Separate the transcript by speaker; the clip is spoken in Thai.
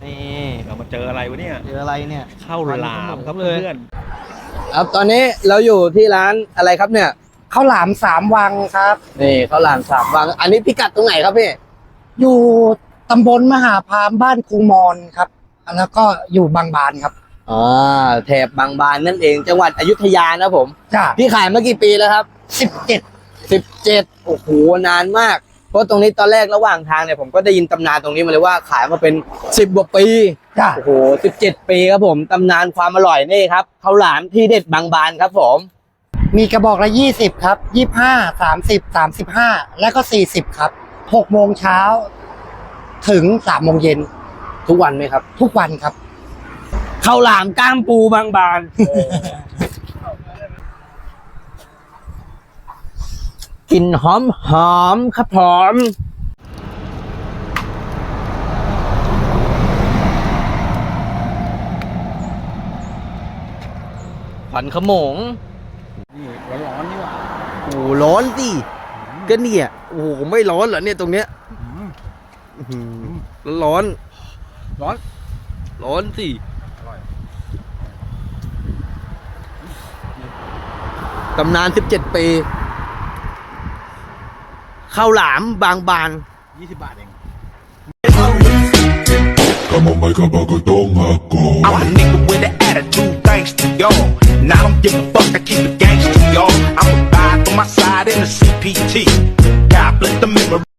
Speaker 1: นี่เรามาเจออะไรวะเนี่ย
Speaker 2: เจออะไรเนี่ย
Speaker 1: ข้าวหลามครับเพื่อน
Speaker 2: ครับตอนนี้เราอยู่ที่ร้านอะไรครับเนี่ย
Speaker 3: ข้าวหลามสามวังครับ
Speaker 2: นี่ข้าวหลามสามวังอันนี้พิกัดตรงไหนครับพี่
Speaker 3: อยู่ตำบลมหาพามบ้านครูมอนครับ แล้วก็อยู่บางบานครับ
Speaker 2: แถบบางบานนั่นเองจังหวัดอยุธยานะผม
Speaker 3: จ้า
Speaker 2: พี่ขายมากี่ปีแล้วครับ
Speaker 3: 17
Speaker 2: 17โอ้โหนานมากเพราะตรงนี้ตอนแรกระหว่างทางเนี่ยผมก็ได้ยินตำนานตรงนี้มาเลยว่าขายมาเป็น10กว่าปี
Speaker 3: จ้า
Speaker 2: โอ้โห17ปีครับผมตำนานความอร่อยนี่ครับข้าวหลามที่เด็ดบางบานครับผม
Speaker 3: มีกระบอกละ20ครับ25 30 35 แล้วก็40ครับ6โมงเช้าถึง3โมงเย็น
Speaker 2: ทุกวันไหมครับ
Speaker 3: ทุกวันครับ
Speaker 2: ข้าวหลามก้ามปูบางบานกลิ่นหอมหอมครับหอมขวัญขโมง
Speaker 1: นี่ร้อนๆนี่หว่า
Speaker 2: โอ้โหร้อนสิก็เนี่ยโอ้โหไม่ร้อนเหรอเนี่ยตรงเนี้ยร้อน
Speaker 1: ร้อน
Speaker 2: ร้อนสิตำนาน17ปีข้าวหลามบางบาน
Speaker 1: 20 บาทเอง
Speaker 4: Come on, make up a good dong,
Speaker 5: I'm a nigga with an attitude, thanks to y'all. And I don't give a fuck, I keep it gangster, y'all. I'm a ride on my side in the CPT.